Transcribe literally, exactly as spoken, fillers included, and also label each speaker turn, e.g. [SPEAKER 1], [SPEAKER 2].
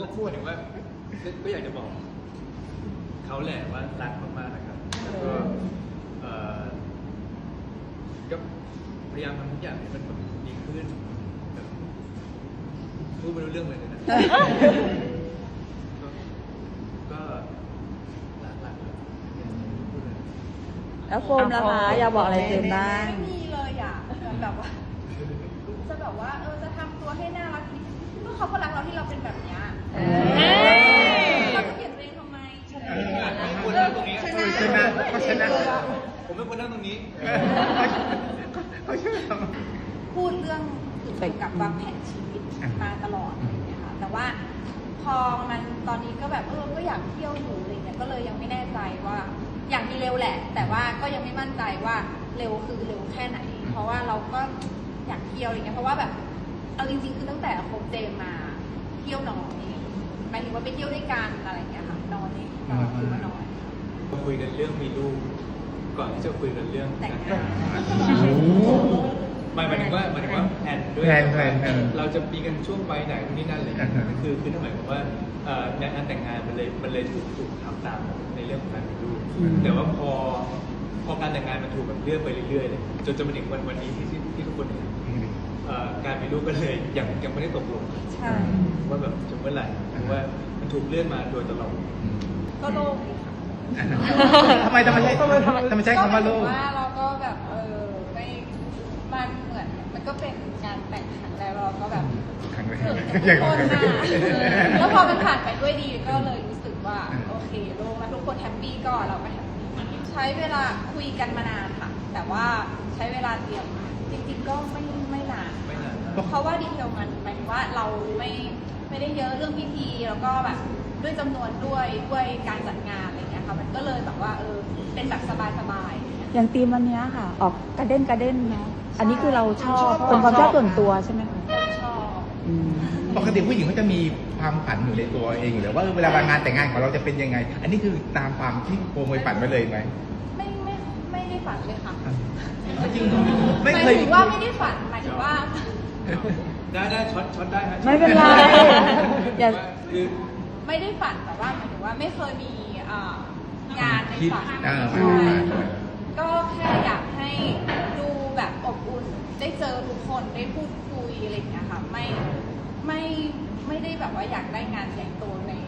[SPEAKER 1] พูดถึงว่าก็อยากจะบอกเขาแหละว่ารักมากๆนะครับแล้วก็เอ่อก็พยายามทำทุกอย่างให้มันแบบดีขึ้นแบบพูดไม่รู้เรื่องเลยนะ ก็ก็รักรักเลยพูดเลย
[SPEAKER 2] แล้วโฟมล่ะคะอยากบอกอะไรเจมส์บ้าง
[SPEAKER 3] ไม่มีเลยอ่ะแบบว่าจะแบบว่าเออจะทำตัวให้น่ารักก็เขาก็รักเราที่เราเป็นแบบเนี้ยเราจะเปลี่ยนตัวเองทำไม
[SPEAKER 1] ไม่ควรนั่งตรงนี้
[SPEAKER 4] ชนะชนะเขาชนะ
[SPEAKER 1] ผมไม่ควรนั่งตรงนี้
[SPEAKER 4] เขาเชื่อ
[SPEAKER 3] พูดเรื่องเกี่ยวกับวางแผนชีวิตมาตลอดอะไรอย่างเงี้ยค่ะแต่ว่าพอมันตอนนี้ก็แบบเออก็อยากเที่ยวอยู่อะไรเงี้ยก็เลยยังไม่แน่ใจว่าอยากมีเร็วแหละ แต่ว่าก็ยังไม่มั่นใจว่าเร็วคือเร็วแค่ไหน เพราะว่าเราก็อยากเที่ยวอะไรเงี้ยเพราะว่าแบบเอาจริงๆคือตั้งแต่คบเจมมาเที่ยวน้อยหมายถึงว่าไปเที่ยวด้วยกันอะไรเงี้ยค่ะน้อยคือว่าน้อย
[SPEAKER 1] คุยกันเรื่องมีลูกก่อนที่จะคุยกันเรื่อง
[SPEAKER 3] แต่ง
[SPEAKER 1] แต่
[SPEAKER 3] งาน
[SPEAKER 1] หมายหมายถึงว่าหมายถึงว่าแผนด้วย
[SPEAKER 4] แพลนแพลนแพลน
[SPEAKER 1] เราจะมีกันช่วงวัยไหนนี่นั่นอะไรอย่างเงี้ย
[SPEAKER 4] อ่าฮะ
[SPEAKER 1] คือคือถ้าหมายความว่าเอ่องานแต่งงานมันเลยมันเลยถูกถูกทำตามในเรื่องของการมีลูกแต่ว่าพอพอการแต่งงานมันถูกแบบเลื่อนไปเรื่อยๆเลยจนจนมาถึงวันวันนี้ที่ที่ที่ทุกคนเห็นเอ่อการมีลูกก็เลยยังยังไม่ได้ตกลง
[SPEAKER 3] ใช่
[SPEAKER 1] ว่าแบบจะเมื่อไหร่เพราะว่ามันถูกเลื่อนมาโดยตลอด
[SPEAKER 3] ก็โล่งดีค่ะ
[SPEAKER 4] ทำไมทำไมใช้ทำไมทำไมใช้คำว่าโลก
[SPEAKER 3] ก็หมายถึงว่าเราก็แบบเออไม่มันเหมือนมันก็เป็นงานแต่งครั้งแรกเราก็แบบ
[SPEAKER 4] ครั้งแรก
[SPEAKER 3] เขิน
[SPEAKER 4] ยั
[SPEAKER 3] กับ
[SPEAKER 4] ง
[SPEAKER 3] ทุกคนนะแล้วพอมันผ่านไปด้วยดีก็เลยรู้สึกว่าโอเคโล่งแล้วทุกคนแฮปปี้ก็เราก็แฮปปี้ใช้เวลาคุยกันมานานค่ะ แต่ว่าใช้เวลาเตรียมจริงๆก็ไม่ไม่นาน
[SPEAKER 1] ไม่นานนะ
[SPEAKER 3] เพราะว่าดีเทลมันหมายถึงว่าเราไม่ไม่ได้เยอะเรื่องพิธีแล้วก็แบบด้วยจำนวนด้วยด้วยการจัดงานอะไรอย่างเงี้ยค่ะมันก็เลยแบบว่าเออเป็นแบบสบายๆอะไรเงี้ย
[SPEAKER 2] อย่างธีมวันเนี้ยค่ะ ออกกระเด้นกระเด้นเนาะอันนี้คือเราชอบ
[SPEAKER 3] ชอบ
[SPEAKER 2] เป็นความชอบส่วนตัวใช่ไหมคะ
[SPEAKER 3] ชอบ
[SPEAKER 2] อืม
[SPEAKER 4] ปกติผู้หญิงเขาจะมีความฝันอยู่ในตัวเองอยู่แล้วว่าเวลางานแต่งงานของเราจะเป็นยังไง อันนี้คือตามความที่โปรโมยฝันมาเลยไหม
[SPEAKER 3] ไม่ไม่ไม่ได้ฝันเลยค่ะ
[SPEAKER 4] จริงเหรอ
[SPEAKER 3] ห
[SPEAKER 4] ไม่
[SPEAKER 3] มาย
[SPEAKER 4] เคย
[SPEAKER 3] ถึงว่าไม่ได้ฝันหมายถึงว่า
[SPEAKER 1] ได้ได้ช็อตช็อตได้ฮะ
[SPEAKER 2] ไม่เป็นไรอย่า
[SPEAKER 1] คือ
[SPEAKER 3] ไม่ได้ฝันแต่ว่าหมายถึงว่าไม่เคยมีอ่างานใน
[SPEAKER 4] คิด
[SPEAKER 3] ฝัน
[SPEAKER 4] อ่า
[SPEAKER 3] ใช่
[SPEAKER 4] ไม่ได้ฝัน
[SPEAKER 3] ก็แค่อยากให้ดูแบบอบอุ่นได้เจอทุกคนได้พูดคุยอะไรอย่างเงี้ยค่ะไม่ไม่ไม่ได้แบบว่าอยากได้งานใหญ่โตใน